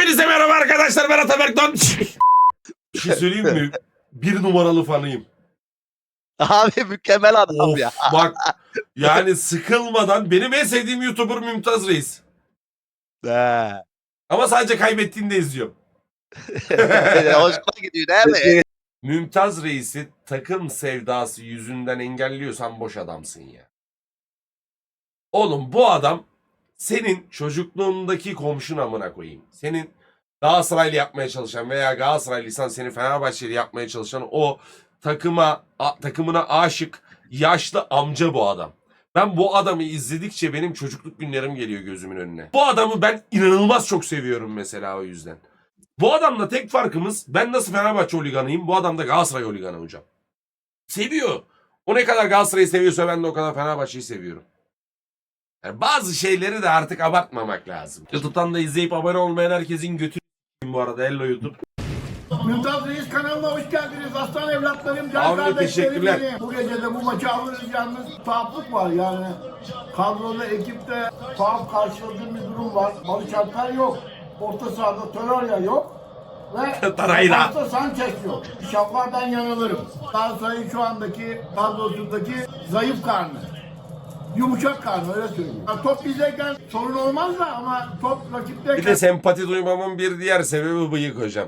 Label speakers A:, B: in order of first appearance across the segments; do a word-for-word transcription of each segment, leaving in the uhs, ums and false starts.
A: Hepinize merhaba arkadaşlar, ben Ataberk Don. Bir şey söyleyeyim mi? Bir numaralı fanıyım.
B: Abi mükemmel adam
A: Of,
B: ya.
A: bak yani sıkılmadan benim en sevdiğim YouTuber Mümtaz Reis.
B: He.
A: Ama sadece kaybettiğinde izliyorum.
B: Hoşuma gidiyor değil mi?
A: Mümtaz Reis'i takım sevdası yüzünden engelliyorsan boş adamsın ya. Oğlum bu adam senin çocukluğundaki komşun amına koyayım. Senin Galatasaraylı yapmaya çalışan veya Galatasaraylıysan seni Fenerbahçeli yapmaya çalışan o takıma a, takımına aşık yaşlı amca bu adam. Ben bu adamı izledikçe benim çocukluk günlerim geliyor gözümün önüne. Bu adamı ben inanılmaz çok seviyorum mesela o yüzden. Bu adamla tek farkımız ben nasıl Fenerbahçe holiganıyım, bu adam da Galatasaray holiganı hocam. Seviyor. O ne kadar Galatasaray'ı seviyorsa ben de o kadar Fenerbahçe'yi seviyorum. Yani bazı şeyleri de artık abartmamak lazım. YouTube'dan da izleyip abone olmayan herkesin götü bu arada. Hello YouTube.
C: Mümtaz Reis kanalına hoş geldiniz. Aslan evlatlarım, can
A: Abi,
C: kardeşlerim
A: teşekkürler.
C: benim. Bu gece de bu maçı alırız yalnız. Tuhaflık var yani. Kadroda, ekipte tuhaf karşıladığım bir durum var. Barış Alper yok. Orta sahada Torreira yok. Ve
A: Torreira.
C: Altta Sanchez yok. İnşallah ben yanılırım. Galatasaray'ın şu andaki kadrosundaki zayıf karnı. Yumuşak karnı, öyle söyleyeyim. Ya top bizdeyken sorun olmaz da ama top rakipteyken...
A: Bir de sempati duymamın bir diğer sebebi bıyık hocam.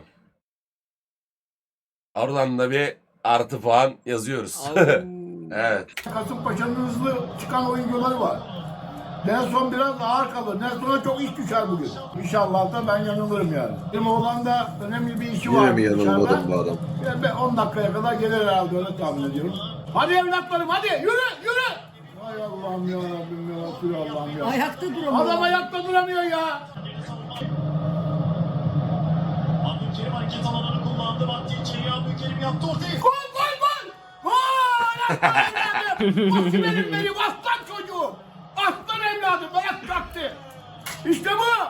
A: Oradan da bir artı puan yazıyoruz. Evet.
C: Kasımpaşa'nın hızlı çıkan oyuncuları var. Nelson biraz ağır kalır. Nelson'a çok iş düşer bugün. İnşallah da ben yanılırım yani. Benim oğlanda önemli bir işi var.
D: Yine mi yanılmadım bu adam?
C: Ben on dakikaya kadar gelir herhalde, öyle tahmin ediyorum. Hadi evlatlarım hadi yürü yürü. Ay Allah'ım ya Rabbim ya Resulallah'ım ya.
E: Ayakta duramıyor.
C: Adam ayakta duramıyor ya.
F: Abdülkerim hareket alanını kullandı. Baktı içeriye Abdülkerim yaptı ortaya.
C: Gol gol gol. Gol aslan evladım. Bak benim benim aslan çocuğum. Aslan evladım bırak kalktı. İşte bu.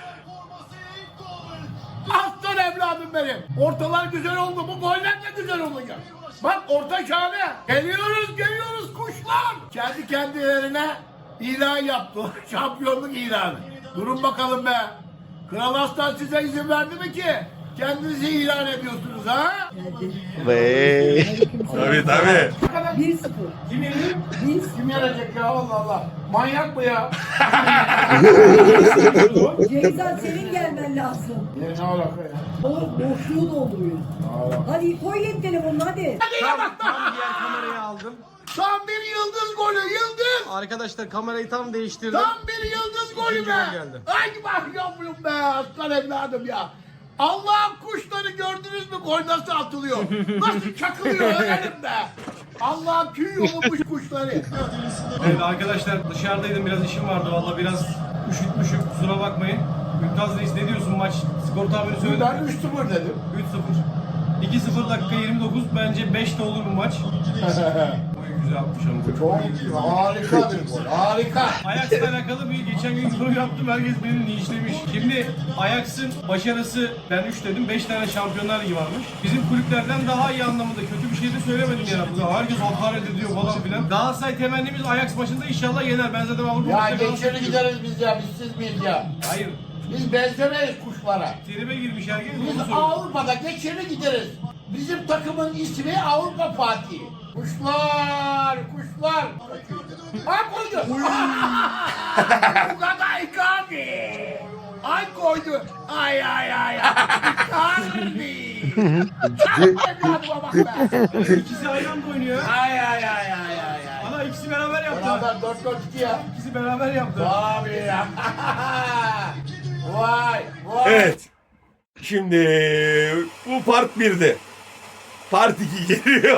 C: Aslan evladım benim. Ortalar güzel oldu. Bu goller de güzel olacak. Bak orta şahane. Geliyoruz geliyoruz kuşlar. Kendi kendilerine ilan yaptı. Şampiyonluk ilanı. Durun bakalım be. Kral Aslan size izin verdi mi ki? Kendinizi ilan ediyorsunuz ha?
B: Ve
A: Tabii tabii.
E: bir sıfır.
C: Kim yenir? Biz. Kim yenecek ya Allah Allah. Manyak mı ya?
E: Ceyza senin gelmen lazım.
C: Ya ne alaka ya?
E: O boşluğu dolduruyor. Hadi koy yet telefonunu hadi.
C: Hadi bak
G: Tam diğer kamerayı aldım.
C: tam bir yıldız golü yıldız.
G: Arkadaşlar kamerayı tam değiştirdim.
C: Tam bir yıldız golü
G: İkinci
C: be.
G: gol geldi.
C: Ay bak yavrum be aslan evladım ya. Allah'ın kuşları gördünüz mü, gol nasıl atılıyor? Nasıl çakılıyor öğrenim be. Allah'ın tüy yolumuş kuşları.
G: Evet arkadaşlar dışarıdaydım, biraz işim vardı valla, biraz üşütmüşüm, kusura bakmayın. Mümtaz Reis ne diyorsun, maç skor tahmini söyledim.
C: Ben üç sıfır dedim.
G: üç sıfır. iki sıfır dakika yirmi dokuz, bence beş de olur bu maç. Oy güzel atmış ama.
C: Çok harika bir gol, harika.
G: Ajax'la alakalı bir geçen gün yorum yaptım, herkes beni linçlemiş. Şimdi Ajax'ın başarısı, ben üç dedim, beş tane Şampiyonlar Ligi varmış. Bizim kulüplerden daha iyi anlamında, kötü bir şey de söylemedim yani. Burada herkes hakaret ediyor falan filan. Galatasaray temennimiz Ajax maçında inşallah yener. Ben zaten Avrupa
C: Ya
G: maçında
C: geçeri
G: Galatasaray-
C: gideriz biz ya, biz siz miyiz ya?
G: Hayır.
C: Biz benzemeyiz kuşlara.
G: Tribe girmiş herkes, onu
C: Biz
G: söylüyor.
C: Avrupa'da geçeri gideriz. Bizim takımın ismi Avrupa Fatih. Kuşlar, kuşlar. Ha koydu. Bu kadar Icardi. Ay koydu. Ay ay ay. Icardi. Evladıma bak be.
G: İkisi aynı anda oynuyor.
C: Ay ay ay ay ay. ay.
G: Ana ikisi beraber yaptı.
C: Beraber dört dört iki ya.
G: İkisi beraber yaptı.
C: Abi ya. Vay vay.
A: Evet. Şimdi bu part birdi. Part iki geliyor.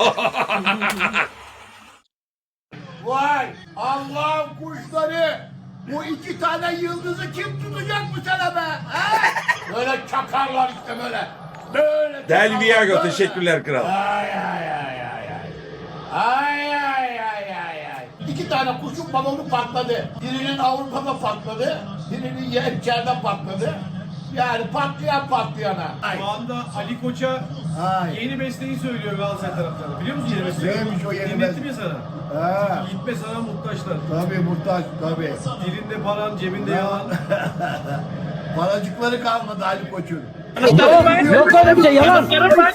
C: Vay Allah'ın kuşları. Bu iki tane yıldızı kim tutacak bu sene be? Ha? Böyle çakarlar işte böyle. Böyle
A: Del
C: çakarlar,
A: Viago
C: böyle.
A: teşekkürler kral.
C: Ay ay ay ay ay. Ay ay ay ay ay. İki tane kuşun balonu patladı. Birinin Avrupa'da patladı. Birinin yer içeride patladı. Yani patlayan patlayana. Ay.
G: Şu anda Ali Koç'a
C: Ay.
G: yeni besteyi söylüyor Galatasaray taraftarı. Biliyor musun yeni besteyi?
C: Neymiş o yeni
G: Dinlettim
C: beste?
G: ya sana.
C: Ha.
G: Gitme sana muhtaçlar.
C: Tabii muhtaç tabii.
G: Dilinde paran, cebinde yalan.
C: Paracıkları kalmadı Ali Koç'un.
D: Yok öyle bir şey yalan.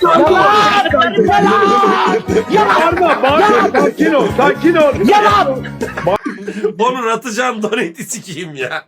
H: Bağırma, bağırma. Sakin ol, sakin ol.
D: Yalan.
A: Onun atacağım doneti sikeyim ya.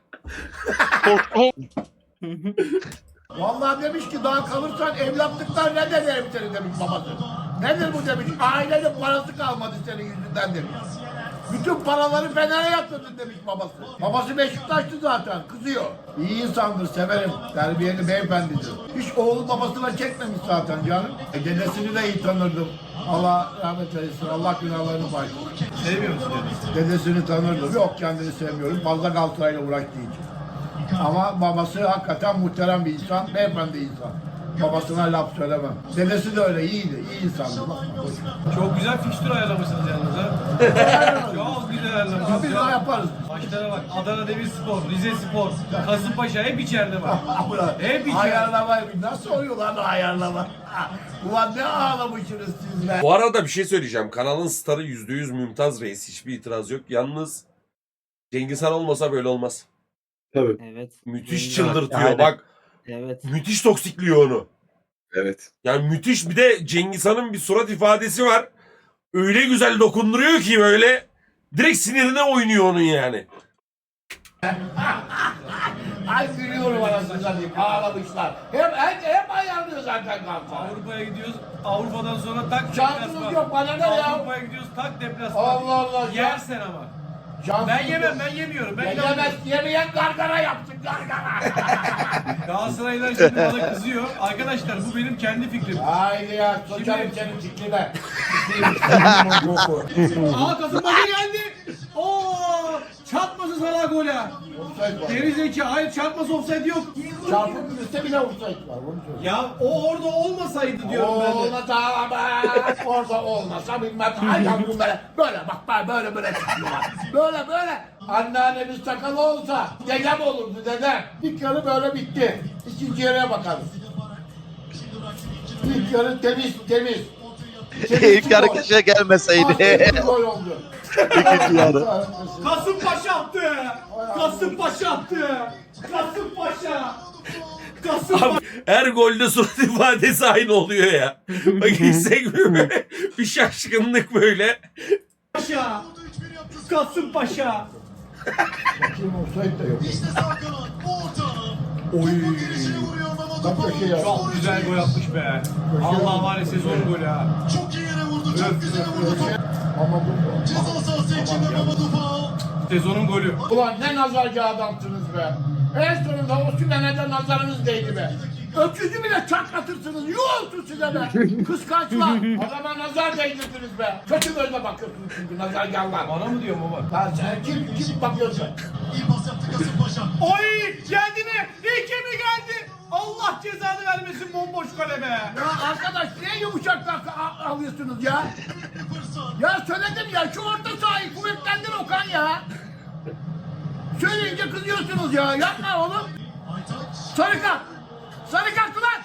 C: Vallahi demiş ki daha kalırsan evlatlıktan ne derim seni demiş babası. Nedir bu demiş. Ailenin parası kalmadı senin yüzünden demiş. Bütün paraları Fener'e yatırdın demiş babası. Babası Beşiktaşlı zaten, kızıyor. İyi insandır, severim. Terbiyeli beyefendidir. Hiç oğlu babasına çekmemiş zaten canım. E, dedesini de iyi tanırdım. Allah rahmet eylesin, Allah günahlarını bağışlasın.
G: Sevmiyor musun dedesi?
C: Dedesini tanırdım. Yok, kendini sevmiyorum. Fazla Galatasaray'la uğraştığı için. Ama babası hakikaten muhterem bir insan, beyefendi insan. Babasına laf söylemem. Dedesi de öyle, iyiydi, iyi insandı. Bakma, boş ver.
G: Çok güzel fikstür ayarlamışsınız yalnız ha. Çok güzel
C: Ya
G: ayarlamışsınız
C: biz de
G: ya.
C: yaparız.
G: Maçlara bak. Adana Demirspor, Rize Spor, Kasımpaşa hep içeride var. Hep içeride.
C: Ayarlama, nasıl oluyor lan ayarlama? Ulan ne ağlamışsınız siz be.
A: Bu arada bir şey söyleyeceğim. Kanalın starı yüzde yüz Mümtaz Reis. Hiçbir itiraz yok. Yalnız Cengiz Han olmasa böyle olmaz.
H: Tabii.
D: Evet.
A: Müthiş
D: Aynen.
A: çıldırtıyor.
B: Aynen.
A: Bak
D: Evet.
A: müthiş toksikliyor onu.
H: Evet.
A: Yani müthiş, bir de Cengiz Han'ın bir surat ifadesi var. Öyle güzel dokunduruyor ki böyle direkt sinirine oynuyor onun yani.
C: Ay gülüyorum arasını satayım, ağlamışlar. Hep, hep, hep ayarlıyor zaten Galatasaray.
G: Avrupa'ya gidiyoruz. Avrupa'dan sonra tak
C: Şansınız
G: deplasman.
C: yok, bana ne ya?
G: Avrupa'ya gidiyoruz tak deplasman.
C: Allah Allah.
G: Yersen ama.
C: Şansınız
G: Ben yemem,
C: yok.
G: ben yemiyorum. Ben
C: Yemez,
G: inanmıyorum.
C: yemeyen gargara yapsın, gargara.
G: Galatasaraylılar şimdi bana kızıyor. Arkadaşlar bu benim kendi fikrim.
C: Haydi ya, sokarım
G: Şimdi-
C: senin fikrine.
G: Aa Kasımpaşa geldi. Oo! Çarpması sana gole.
C: Offside var.
G: Geri zeki. Hayır çarpması offside yok.
C: Çarpıp üstte bile offside var. Onu söyleyeyim.
G: Ya o orada olmasaydı diyorum ben de.
C: Olmasa ama orada olmasa bilmem. Ay yavrum böyle böyle bak bak böyle böyle çıkıyorlar. Böyle böyle. Anneannemiz sakalı olsa dedem olurdu dedem. İlk yarı böyle bitti. İkinci yarıya bakalım. İlk yarı temiz temiz.
B: İlk yarı kişiye gelmeseydi.
C: Aferin, gol oldu.
B: İkinci yarı.
G: Kasımpaşa attı. Kasımpaşa attı. Kasımpaşa. Kasımpaşa.
A: Abi her golde surat ifadesi aynı oluyor ya. Bak hissetmiyor. Bir şaşkınlık böyle.
G: Kasımpaşa.
C: Kim offside de yok.
F: İşte sağ kanat. Orta.
G: Oy.
F: Girişe vuruyor Mehmet
C: Bak köşeye ya.
G: Çok güzel gol atmış be. Allah var ya sezon golü ha.
F: Çok iyi yere vurdu. Çok güzel vurdu. Top
C: Ama bu
F: ceza sahası içinde Mehmet Ufa.
G: Sezonun golü.
C: Ulan ne nazarcı adamsınız be. En sonunda o Sümen'e de nazarınız değdi be. Öküzü bile çatlatırsınız. Yuh olsun size be. Kıskançlar. Adama nazar değdirdiniz be. Kötü gözle bakıyorsunuz çünkü nazargârlar.
G: Bana mı diyor baba?
C: Ha, sen kim, kim bakıyorsun?
F: İyi pas yaptı Kasımpaşa.
G: Oy geldi mi? İki mi geldi? Allah cezanı vermesin bomboş kale be.
C: Ya arkadaş niye yumuşaklar a- alıyorsunuz ya? Ya söyledim ya şu orta sahayı kuvvetlendir Okan ya. Söyleyince kızıyorsunuz ya. Yapma oğlum. Sarı kart. Sarı kart ulan.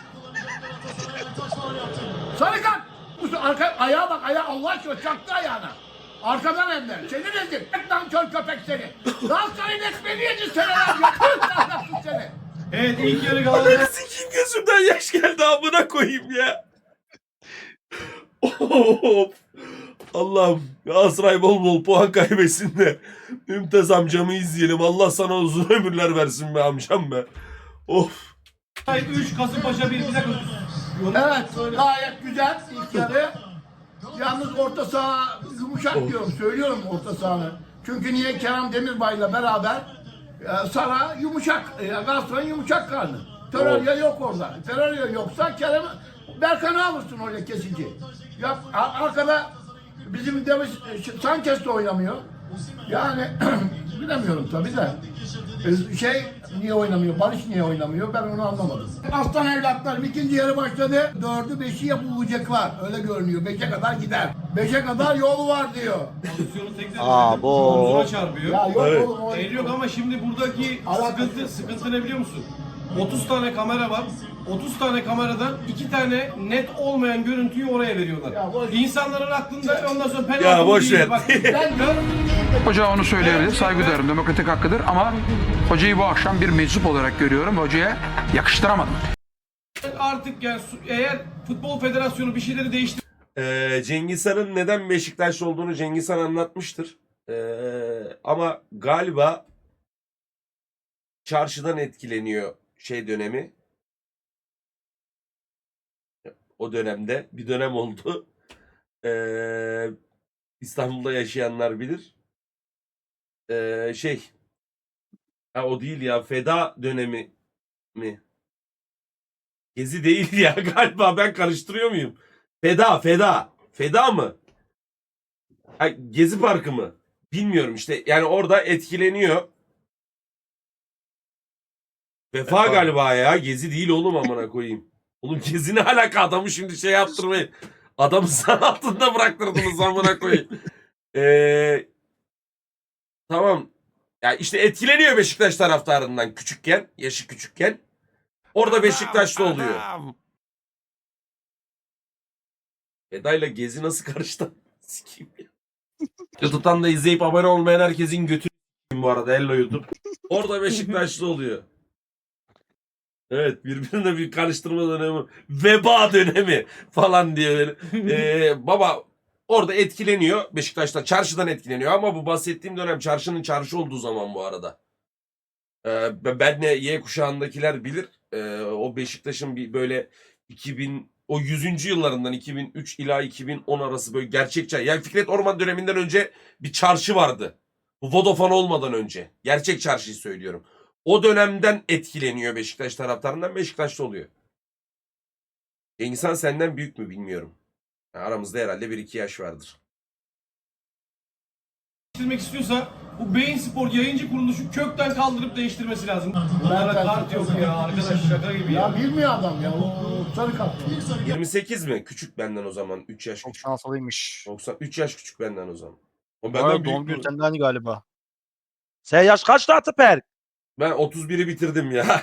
C: Sarı kart. Bu arka, ayağa bak ayağa Allah aşkına çaktı ayağına. Arkadan hem de. Seni rezil. Lan kör köpek seni. Galatasaray'ın ekmeğini yedin seneler. Yapın ahlaksız seni.
G: Evet ilk yarı
A: Ananı
G: Galatasaray.
A: sikeyim, gözümden yaş geldi amına koyayım ya. Of. Allah'ım Galatasaray bol bol puan kaybetsin de Mümtaz amcamı izleyelim. Allah sana uzun ömürler versin be amcam be. Of.
G: üç Kasımpaşa bir. Bir dakika.
C: Evet gayet güzel ilk yarı. Yalnız orta saha yumuşak diyorum. Söylüyorum orta sahanı. Çünkü niye Kerem Demirbay'la beraber e, Sara yumuşak. E, Galatasaray'ın yumuşak karnı. Terörya yok orada. Terörya yoksa Kerem Berkan'ı alırsın öyle kesici. Ya a- arkada bizim Demiş Sanchez de oynamıyor. Yani bilemiyorum tabii de. E, Şey niye oynamıyor? Barış niye oynamıyor? Ben onu anlamadım. Aslan evlatlarım ikinci yarı başladı. Dördü beşi yapılacaklar. Öyle görünüyor. Beşe kadar gider. Beşe kadar yol var diyor.
G: Pozisyonu tekrar
B: Aa, bu.
G: omzuna çarpıyor.
C: Ya yok
A: Evet.
C: oğlum. o-
G: El yok ama şimdi buradaki
C: Alakası
G: sıkıntı,
C: yok.
G: sıkıntı ne biliyor musun? otuz tane kamera var. otuz tane kameradan iki tane net olmayan görüntüyü oraya veriyorlar.
C: Ya boş-
G: İnsanların aklında ondan sonra penaltı
A: Ya
G: mı
A: boş
G: değil,
A: ver.
G: Bak,
C: Ben
I: Hoca onu söyleyebilir. Saygı duyarım. Demokratik hakkıdır ama hocayı bu akşam bir meczup olarak görüyorum. Hocaya yakıştıramadım.
G: Artık yani su- eğer Futbol Federasyonu bir şeyleri değiştir
A: Ee, Cengiz Han'ın neden Beşiktaşlı olduğunu Cengiz Han anlatmıştır. Ee, ama galiba çarşıdan etkileniyor şey dönemi. O dönemde bir dönem oldu. Ee, İstanbul'da yaşayanlar bilir. Ee, şey ha, o değil ya, feda dönemi mi? Gezi değil ya galiba, ben karıştırıyor muyum? Feda, feda. Feda mı? Ha, Gezi Parkı mı? Bilmiyorum işte. Yani orada etkileniyor. Vefa galiba ya. Gezi değil oğlum, amına koyayım. Oğlum Gezi ne alaka, adamı şimdi şey yaptırmayın. Adamı zan altında bıraktırdınız amına koyayım. Ee, tamam. Ya işte etkileniyor Beşiktaş taraftarından küçükken. Yaşı küçükken. Orada Beşiktaşlı oluyor. Eda'yla Gezi nasıl karıştı? Sikeyim ya. YouTube'dan da izleyip abone olmayan herkesin götü bu arada. Hello YouTube. Orada Beşiktaşlı oluyor. Evet, birbirine bir karıştırma dönemi, veba dönemi falan diye böyle. Ee, baba orada etkileniyor. Beşiktaş'ta çarşıdan etkileniyor ama bu bahsettiğim dönem çarşının çarşı olduğu zaman bu arada. Ee, benle Y kuşağındakiler bilir. Ee, o Beşiktaş'ın bir böyle iki bin o yüzüncü yıllarından iki bin üç ila iki bin on arası böyle gerçek çarşı. Yani Fikret Orman döneminden önce bir çarşı vardı. Bu Vodafone olmadan önce. Gerçek çarşıyı söylüyorum. O dönemden etkileniyor Beşiktaş taraftarından, Beşiktaşlı oluyor. Cengiz Han senden büyük mü bilmiyorum. Yani aramızda herhalde bir iki yaş vardır.
G: değiştirmek istiyorsa bu Beyin Spor yayıncı kuruluşu kökten kaldırıp değiştirmesi lazım. Bunlara kart yok ya arkadaş, şaka gibi ya.
C: Ya bilmiyor adam ya. O sarı kart.
A: yirmi sekiz mi? Küçük benden o zaman. üç yaş küçük.
B: Çok şanslıymış.
A: doksan üç yaş küçük benden o zaman. O
B: Bana
A: benden
B: doğum
A: büyük
B: günü
A: mü?
B: senden galiba. Sen yaş kaçtı Ataper?
A: Ben otuz biri bitirdim ya.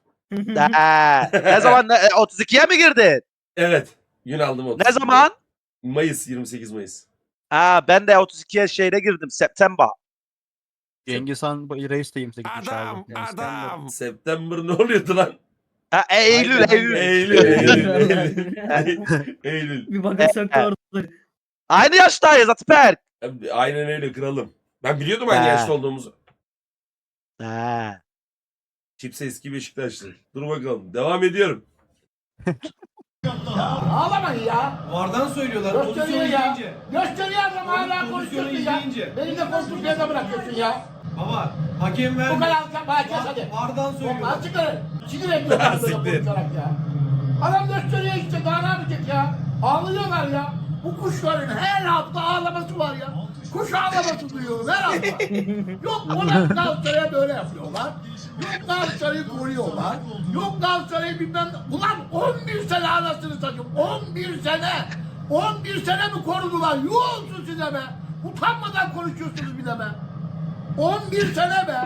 B: ne zaman ne, e, otuz ikiye mi girdin?
A: Evet. Gün aldım otuz.
B: Ne zaman?
A: Mayıs, yirmi sekiz Mayıs.
B: Ha ben de otuz ikiye şeyde girdim. September.
J: Cengiz Han reis de yirmi sekizmiş abi. Yani
A: Adam. September ne oluyordu lan?
B: Ha e, Eylül, Eylül.
A: Eylül, Eylül, Eylül. Eylül.
D: Bir bakırsak doğru.
B: Aynı yaştayız Ataper.
A: Aynen öyle kralım. Ben biliyordum aynı
B: Ha.
A: yaşta olduğumuzu.
B: Ha.
A: Çipse eski Beşiktaşlı. Dur bakalım. Devam ediyorum.
C: Ağlamayın ya.
G: Vardan söylüyorlar pozisyonu
C: Gösteriyor ya.
G: izleyince.
C: Gösteriyor adam hala
G: Pozisyonu
C: konuşuyorsun ya.
G: izleyince.
C: Beni de konuştuğun yerde bırakıyorsun ya.
G: Baba hakem
C: Bu
G: verdi.
C: kadar sen bana kes hadi.
G: Vardan söylüyorlar.
C: Lan çıkarın. Sinir ediyorlar böyle
A: Siktir.
C: konuşarak ya. Adam gösteriyor işte, daha ne yapacak ya. Ağlıyorlar ya. Bu kuşların her hafta ağlaması var ya. Kuş ağlaması duyuyorum her hafta. Yok ona Galatasaray'a böyle yapıyorlar. Yok Galatasaray'ı koruyorlar. Yok Galatasaray'ı bilmem ne. Ulan on bir sene anasını satayım. on bir sene. on bir sene mi korudular? Yuh olsun size be. Utanmadan konuşuyorsunuz bir de be. on bir sene be.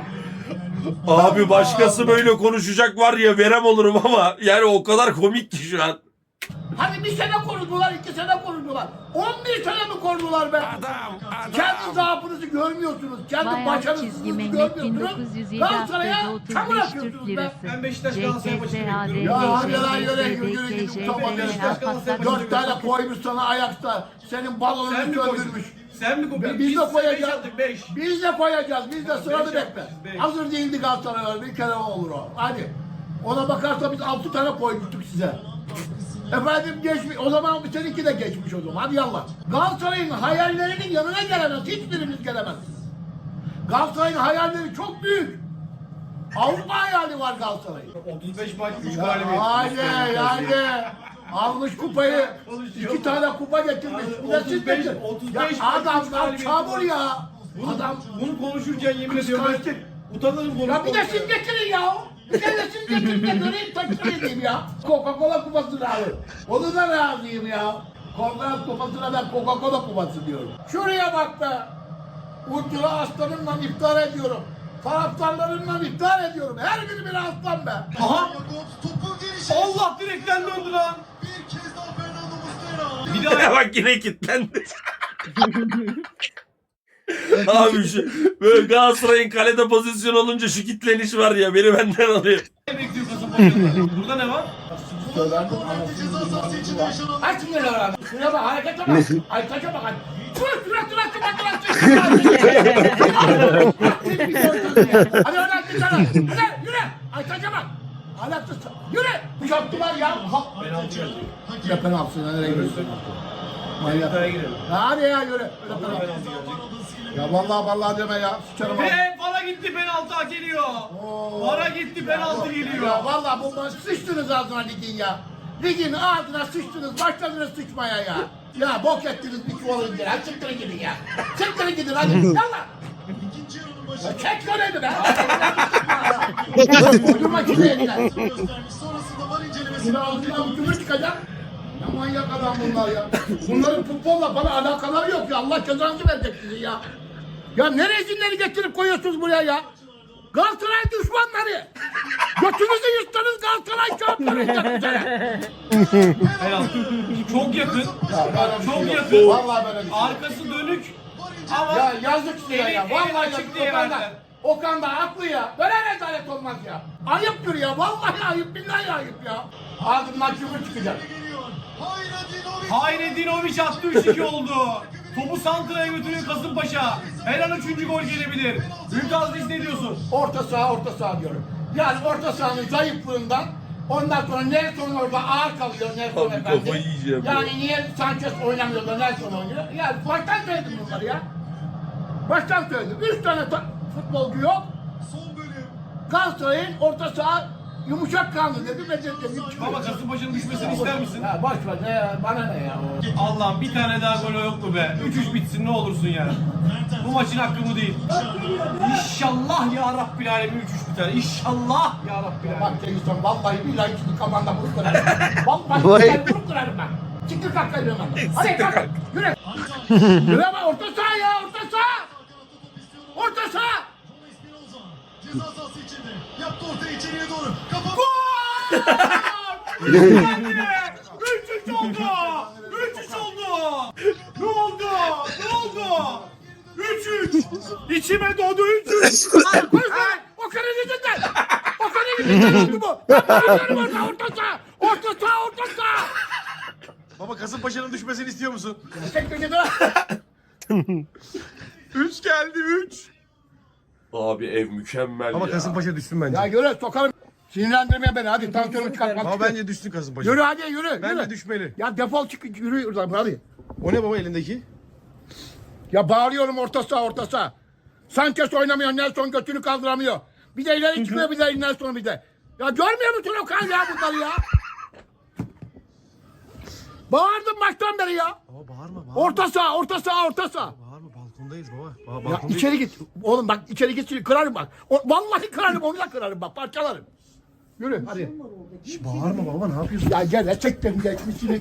A: Abi başkası böyle konuşacak var ya, verem olurum ama yani o kadar komik ki şu an.
C: Hani bir sene korudular, iki sene korudular. on bir sene mi korudular be?
A: Adam, adam.
C: Kendi zaafınızı görmüyorsunuz. Kendi
K: Bayağı
C: başarısızlığınızı
K: çizgi Mehmet bin
C: görmüyorsunuz.
K: dokuz yüz yedi
C: Galatasaray
K: haftada
C: ya çamur
K: otuz beş Türk
C: atıyorsunuz be.
K: lirası.
G: Ben Beşiktaş Galatasaray maçını bekliyorum.
C: Ya hadi lan yürü yürü yürü gidin utanma Beşiktaş. Dört tane koymuş sana ayakta. Senin balonunu
G: Sen mi koydun?
C: söndürmüş.
G: Sen mi koydun?
C: Biz de koyacağız.
G: aldık beş.
C: Biz de koyacağız. Biz de
G: Beş
C: sıranı bekle.
G: yapmışız, beş.
C: Hazır değildi Galatasaray. Bir kere olur o. Hadi. Ona bakarsa biz altı tane koymuştuk size. Efendim geçmiş. O zaman seninki de geçmiş o zaman. Hadi yallah. Galatasaray'ın hayallerinin yanına gelemez. Hiçbirimiz gelemezsiniz. Galatasaray'ın hayalleri çok büyük. Avrupa hayali var Galatasaray'ın.
G: otuz beş maç üç
C: Ya
G: galibiyet.
C: hadi hadi. Almış kupayı. iki tane kupa getirmiş. Bir de siz
G: otuz beş,
C: getirin.
G: otuz
C: Ya
G: beş maç, üç
C: adamlar
G: galibiyet
C: çamur ya.
G: Bunu,
C: Adam
G: bunu konuşurken yemin ediyorum
C: kıskançlık.
G: ben utanırım bunu.
C: Ya bir de siz getirin ya. Bir de siz getirin de göreyim takdir edeyim ya. Coca-Cola kupasını alın. Onu da razıyım ya. Konferans kupasına ben Coca-Cola kupası diyorum. Şuraya bak be. Ucura aslanımla iftar ediyorum. Taraftarlarımla iftar ediyorum. Her biri bir aslan be.
G: Aha!
F: Topu gelişe.
G: Allah direkten döndü lan.
F: Bir kez daha Fernando Muslera.
G: Bir daha
A: Bak yine kilitlendi. Abi şu böyle Galatasaray'ın kalede pozisyon olunca şu kitleniş var ya beni benden alıyor.
G: Ne bekliyor Kasımpaşa'da? Burada ne var?
C: Söylendim anasını Aç şunları abi. Şuraya bak harekete bak. Ay taça bak. Dur dur dur dur dur. Hadi oradan çıksana. Hadi yürü. Ay taça bak. Alaksız. Yürü. Kuşattılar ya.
G: Penaltı yazıyor.
C: Ya penaltı. Nereye gidiyorsun? Manyak.
G: Penaltıya girelim.
C: Hadi ya yürü. Öyle penaltı.
G: Penaltı gelecek.
C: Ya vallahi vallahi deme ya. Sıçarım abi.
G: Ve para gitti penaltı geliyor. Para gitti penaltı geliyor.
C: Ya vallahi bu maç sıçtınız ağzına ligin ya. Ligin ağzına sıçtınız, başladınız sıçmaya ya. Ya bok ettiniz bir çuvalın geri. Hadi çıktırın gidin ya. Çıktırın gidin hadi. Yallah. Ya çek görevdi be. Uydurma kimi eline.
F: Sonrasında var incelemesi.
C: Şuna ağzından ucunu çıkacak. Ya manyak adam bunlar ya. Bunların futbolla bana alakaları yok ya. Allah cezanızı verecek sizi ya. Ya ne rezinleri getirip koyuyorsunuz buraya ya? Galatasaray düşmanları. Götünüzü yırtsanız Galatasaray şampiyon olacak bu sene.
G: Penaltı. Çok yakın.
C: Ya böyle bir
G: Çok
C: şey yok.
G: yakın.
C: Vallahi böyle bir şey yok.
G: Arkası dönük. Ama
C: Ya yazık size ya.
G: Eli-
C: Vallahi
G: eli açık
C: yazık
G: diye
C: Okan da.
G: verdiler.
C: Okan da haklı ya. Böyle rezalet olmaz ya. Ayıptır ya. Vallahi ayıp. Billahi ayıp ya. Ağzımdan küfür çıkacak.
G: Hayredinovic attı üç iki oldu. Topu Santra'ya götürüyor Kasımpaşa. Her an üçüncü gol gelebilir. Büyük Aziz ne diyorsun?
C: Orta saha orta saha diyorum. Yani orta sahanın zayıflığından ondan sonra Nelson orada ağır kalıyor Nelson efendi. Yani niye Sanchez oynamıyor da Nelson oynuyor? Yani baştan söyledim bunları ya. Baştan söyledim. Üç tane ta- futbolcu yok. Galatasaray'ın orta saha yumuşak kanlı dedi ve dedim.
G: Baba Kasımpaşa'nın düşmesini ister misin?
C: Ya boş ver ne bana ne ya o.
G: Allah'ım bir tane daha gol yok mu be? üç üç bitsin ne olursun yani. Bu maçın hakkı bu değil. İnşallah ya Rabbil Alemin üç üç biter. İnşallah ya Rabbil Alemin.
C: Bak Cengiz vallahi billahi şimdi kafanda vurup kırarım. Vallahi billahi vurup kırarım ben. Çıktı kalk kayıyorum ben. Hadi kalk. Yürü. Yürü ama orta saha ya orta saha. Orta saha.
F: Ceza sahası içinde. Yaptı ortaya içeriye doğru. Kafa.
G: üç üç oldu. üç üç oldu. Ne oldu? Ne oldu? üç üç. İçime doğdu üç üç.
C: O kare yüzünden. O kare yüzünden oldu bu. Ben biliyorum orada orta saha. Orta saha orta saha.
G: Baba Kasımpaşa'nın düşmesini istiyor musun?
C: Tek bir gidiyor.
G: üç geldi üç.
A: Abi ev mükemmel
G: Ama
A: ya.
G: Kasımpaşa düşsün bence.
C: Ya yürü sokarım. Sinirlendirme beni hadi tansiyonumu çıkartma.
G: Ama bence düşsün Kasımpaşa.
C: Yürü hadi yürü.
G: Bence
C: yürü.
G: düşmeli.
C: Ya defol çık yürü oradan hadi.
G: O ne baba elindeki?
C: Ya bağırıyorum orta saha orta saha. Sanchez oynamıyor, Nelson götünü kaldıramıyor. Bir de ileri çıkıyor bir de Nelson bir de. Ya görmüyor musun Okan ya bunları ya? Bağırdım baştan beri ya.
G: Baba bağırma bağırma.
C: Orta saha, orta saha, orta saha.
G: Bağırma balkondayız baba. Baba
C: Ya içeri git. Oğlum bak içeri git kırarım bak. O, vallahi kırarım onu da kırarım bak parçalarım. Yürü hadi.
G: Şş, bağırma baba ne yapıyorsun?
C: Ya gel etekten geçmişini.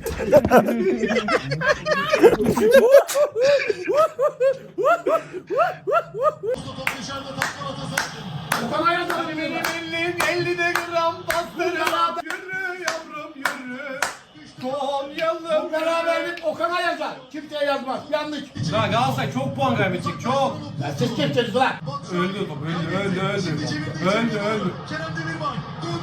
C: Okan ayazlarım
G: Benim ellim ellide gram bastırma. Yürü yavrum yürü. Konyalım.
C: Bu beraberlik Okan'a yazar. Kimseye yazmaz. Yanlış.
G: Lan Galatasaray çok puan kaybedecek çok.
C: Ya siz kimsiniz lan?
G: Öldü top öldü öldü öldü. Öldü öldü.
F: Kerem Demirbay.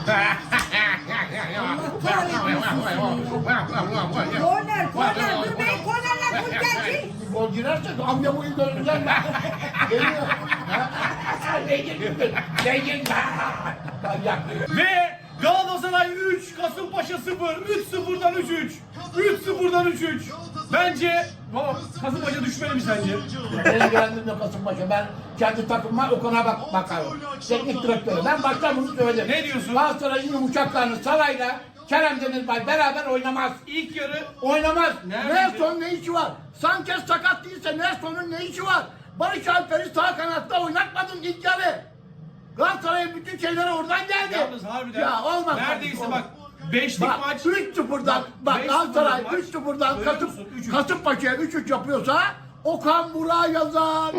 E: Korner, korner, dur bey, kornerler gol gelsin.
C: Gol girerse amca bu yıl döneceğim ben. Geliyor. Beygir gitti. Beygir gitti.
G: Ve Galatasaray üç, Kasımpaşa sıfır. üç sıfırdan üç üç. üç sıfırdan üç üç. Bence baba Kasımpaşa düşmeli mi sence?
C: Beni ilgilendirmiyor Kasımpaşa. Ben kendi takımıma Okan'a bak bakarım. Teknik direktörü. Ben baştan bunu söyledim.
G: Ne diyorsun?
C: Galatasaray'ın yumuşaklarını Saray'la Kerem Demirbay beraber oynamaz.
G: İlk yarı
C: Oynamaz.
G: Nerede?
C: Nelson ne işi var? Sanchez sakat değilse Nelson'un ne işi var? Barış Alper'i sağ kanatta oynatmadın ilk yarı. Galatasaray'ın bütün şeyleri oradan geldi.
G: yalnız harbiden.
C: Ya olmaz.
G: Neredeyse
C: olmaz.
G: bak beşlik
C: Bak
G: maç.
C: üç sıfırdan bak
G: beş
C: Galatasaray
G: sıfırlık maç.
C: üç sıfırdan
G: Görüyor
C: Kasım,
G: musun? üç üç.
C: Kasımpaşa'ya üç üç yapıyorsa Okan Burak'a yazar.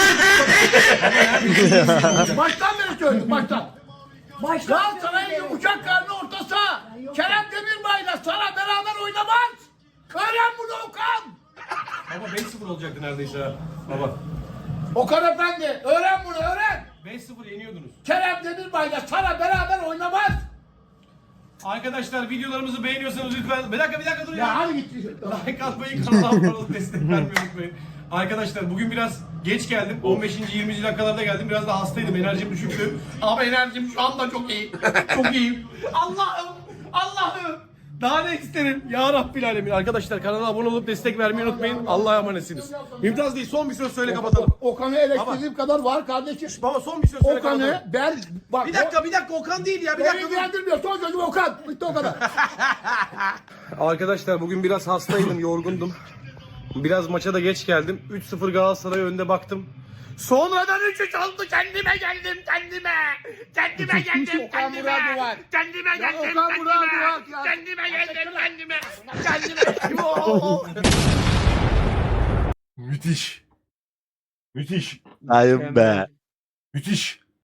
C: Baştan beri söyledim baştan.
E: Baştan
C: Galatasaray'ın
E: söyle.
C: yumuşak karnı orta saha. Kerem Demirbay'la Sara beraber oynamaz. Öğren bunu Okan.
G: Baba beş sıfır olacaktı neredeyse ha. Baba.
C: Okan Efendi öğren bunu öğren.
G: beş sıfır yeniyordunuz.
C: Kerem Demirbay'la sana beraber oynamaz.
G: Arkadaşlar videolarımızı beğeniyorsanız lütfen. Bir dakika bir dakika durun
C: Ya
G: ya.
C: hadi git.
G: Like atmayı, kanala abone olup destek vermeyi unutmayın. Arkadaşlar bugün biraz geç geldim. on beşinci yirminci dakikalarda geldim. Biraz da hastaydım. Enerjim düşüktü. Ama enerjim şu anda çok iyi. Çok iyiyim. Allah'ım! Allah'ım! Daha ne isterim? Ya Rabbil Alemin. Arkadaşlar kanala abone olup destek vermeyi unutmayın. Allah'a emanetsiniz. Mümtaz değil. Son bir söz söyle kapatalım.
C: Okan'ı eleştirdiğim kadar var kardeşim.
G: Baba son bir söz söyle kapatalım.
C: Okan'ı ben bak
G: Bir dakika bir dakika Okan değil ya. Bir
C: beni
G: dakika. dur.
C: ilgilendirmiyor. Son sözüm Okan. Bitti o kadar.
G: Arkadaşlar bugün biraz hastaydım, yorgundum. Biraz maça da geç geldim. üç sıfır Galatasaray önde baktım. Sonradan üç üç oldu. Kendime geldim, kendime. Kendime geldim,
C: Okan
G: kendime.
C: Muradı var.
G: Kendime
C: Ya
G: geldim,
C: Okan
G: kendime.
C: Muradı var ya.
G: Kendime geldim, kendime. Kendime. Yo.
A: Müthiş. Müthiş.
B: Ayım be.
A: Müthiş.